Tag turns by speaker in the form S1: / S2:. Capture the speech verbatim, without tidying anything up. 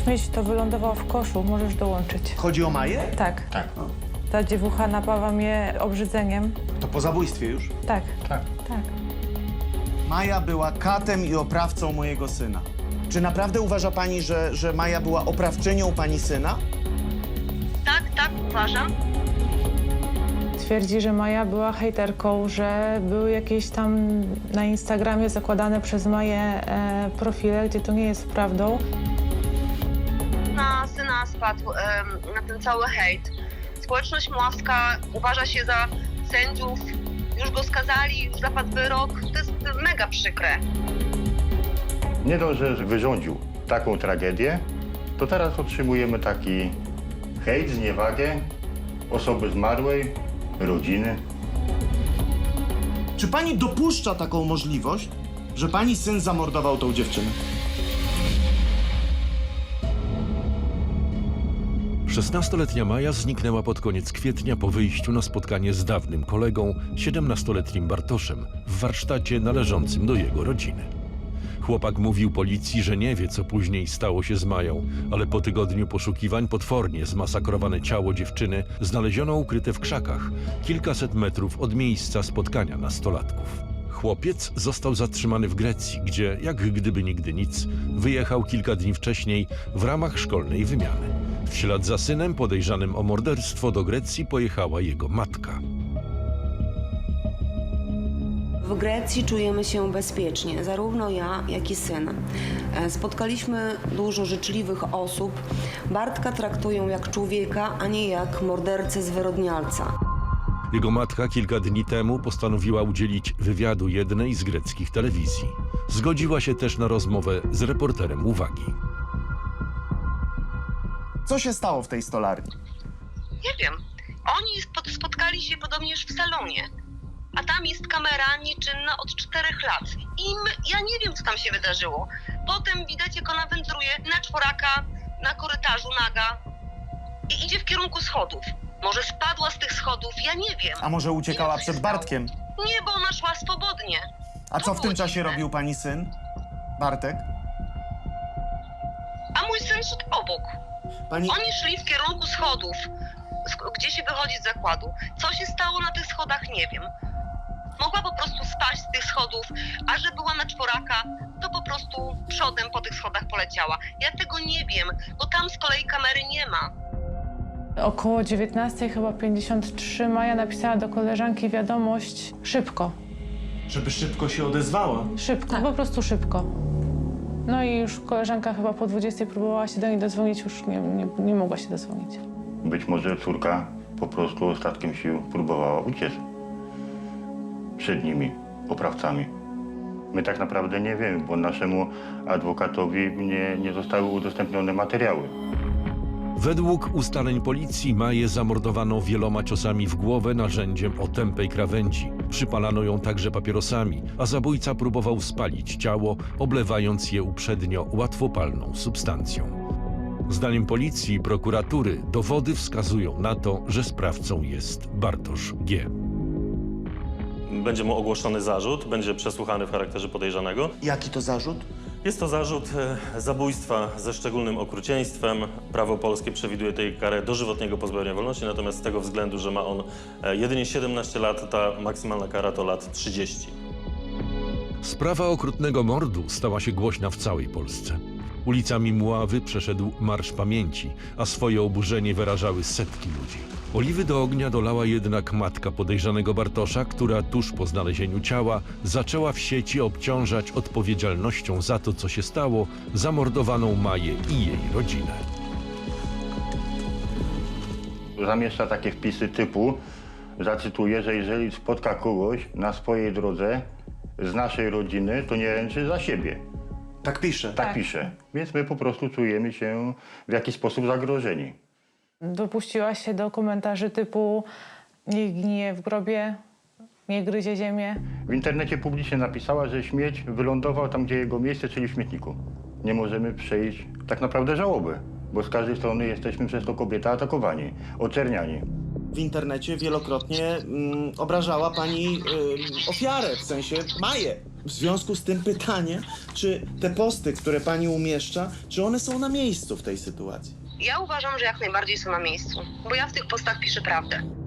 S1: śmieć to wylądowało w koszu, możesz dołączyć.
S2: Chodzi o Maję?
S1: Tak.
S3: Tak.
S1: Ta dziewucha napawa mnie obrzydzeniem.
S2: To po zabójstwie już?
S1: Tak,
S3: Tak.
S1: tak.
S2: Maja była katem i oprawcą mojego syna. Czy naprawdę uważa pani, że, że Maja była oprawczynią pani syna?
S4: Tak, tak, uważam.
S1: Twierdzi, że Maja była hejterką, że były jakieś tam na Instagramie zakładane przez Maję e, profile, gdzie to nie jest prawdą.
S4: Na syna spadł em, na ten cały hejt. Społeczność mławska uważa się za sędziów, już go skazali, już zapadł wyrok. To jest mega przykre.
S3: Nie dość, że wyrządził taką tragedię, to teraz otrzymujemy taki hejt, zniewagę osoby zmarłej, rodziny.
S2: Czy pani dopuszcza taką możliwość, że pani syn zamordował tą dziewczynę?
S5: szesnastoletnia Maja zniknęła pod koniec kwietnia po wyjściu na spotkanie z dawnym kolegą, siedemnastoletnim Bartoszem, w warsztacie należącym do jego rodziny. Chłopak mówił policji, że nie wie, co później stało się z Mają, ale po tygodniu poszukiwań potwornie zmasakrowane ciało dziewczyny znaleziono ukryte w krzakach, kilkaset metrów od miejsca spotkania nastolatków. Chłopiec został zatrzymany w Grecji, gdzie, jak gdyby nigdy nic, wyjechał kilka dni wcześniej w ramach szkolnej wymiany. W ślad za synem podejrzanym o morderstwo do Grecji pojechała jego matka.
S6: W Grecji czujemy się bezpiecznie, zarówno ja, jak i syn. E, Spotkaliśmy dużo życzliwych osób. Bartka traktują jak człowieka, a nie jak mordercę zwyrodnialca.
S5: Jego matka kilka dni temu postanowiła udzielić wywiadu jednej z greckich telewizji. Zgodziła się też na rozmowę z reporterem Uwagi.
S2: Co się stało w tej stolarni?
S4: Nie wiem. Oni spot- spotkali się podobnież w salonie. A tam jest kamera nieczynna od czterech lat. I my, ja nie wiem, co tam się wydarzyło. Potem widać, jak ona wędruje na czworaka, na korytarzu naga i idzie w kierunku schodów. Może spadła z tych schodów, ja nie wiem.
S2: A może uciekała
S4: Nie wiem, co
S2: przed
S4: się stało.
S2: Bartkiem?
S4: Nie, bo ona szła swobodnie.
S2: A
S4: To
S2: co w tym
S4: było
S2: czasie
S4: dziwne.
S2: robił pani syn? Bartek?
S4: A mój syn szedł obok.
S2: Pani...
S4: Oni szli w kierunku schodów, sk- gdzie się wychodzi z zakładu. Co się stało na tych schodach, nie wiem. Mogła po prostu spaść z tych schodów, a że była na czworaka, to po prostu przodem po tych schodach poleciała. Ja tego nie wiem, bo tam z kolei kamery nie ma.
S1: Około dziewiętnastej chyba pięćdziesiąt trzy Maja napisała do koleżanki wiadomość szybko.
S2: Żeby szybko się odezwała.
S1: Szybko, po prostu szybko. No i już koleżanka chyba po dwudziestej próbowała się do niej dodzwonić, już nie, nie, nie mogła się dodzwonić.
S3: Być może córka po prostu ostatkiem sił próbowała uciec przed nimi, oprawcami. My tak naprawdę nie wiemy, bo naszemu adwokatowi nie, nie zostały udostępnione materiały.
S5: Według ustaleń policji Maję zamordowano wieloma ciosami w głowę narzędziem o tępej krawędzi. Przypalano ją także papierosami, a zabójca próbował spalić ciało, oblewając je uprzednio łatwopalną substancją. Zdaniem policji i prokuratury dowody wskazują na to, że sprawcą jest Bartosz G.
S7: Będzie mu ogłoszony zarzut, będzie przesłuchany w charakterze podejrzanego.
S2: Jaki to zarzut?
S7: Jest to zarzut e, zabójstwa ze szczególnym okrucieństwem. Prawo polskie przewiduje tej karę dożywotniego pozbawienia wolności, natomiast z tego względu, że ma on e, jedynie siedemnaście lat, ta maksymalna kara to lat trzydzieści.
S5: Sprawa okrutnego mordu stała się głośna w całej Polsce. Ulicami Mławy przeszedł Marsz Pamięci, a swoje oburzenie wyrażały setki ludzi. Oliwy do ognia dolała jednak matka podejrzanego Bartosza, która tuż po znalezieniu ciała zaczęła w sieci obciążać odpowiedzialnością za to, co się stało, zamordowaną Maję i jej rodzinę.
S3: Zamieszcza takie wpisy typu, zacytuję, że jeżeli spotka kogoś na swojej drodze z naszej rodziny, to nie ręczy za siebie.
S2: Tak pisze.
S3: Tak pisze. Więc my po prostu czujemy się w jakiś sposób zagrożeni.
S1: Dopuściła się do komentarzy typu niech gnije w grobie, nie gryzie ziemię.
S3: W internecie publicznie napisała, że śmieć wylądował tam, gdzie jego miejsce, czyli w śmietniku. Nie możemy przejść tak naprawdę żałoby, bo z każdej strony jesteśmy przez to kobieta atakowani, oczerniani.
S2: W internecie wielokrotnie mm, obrażała pani y, ofiarę, w sensie Maję. W związku z tym pytanie, czy te posty, które pani umieszcza, czy one są na miejscu w tej sytuacji?
S4: Ja uważam, że jak najbardziej są na miejscu, bo ja w tych postach piszę prawdę.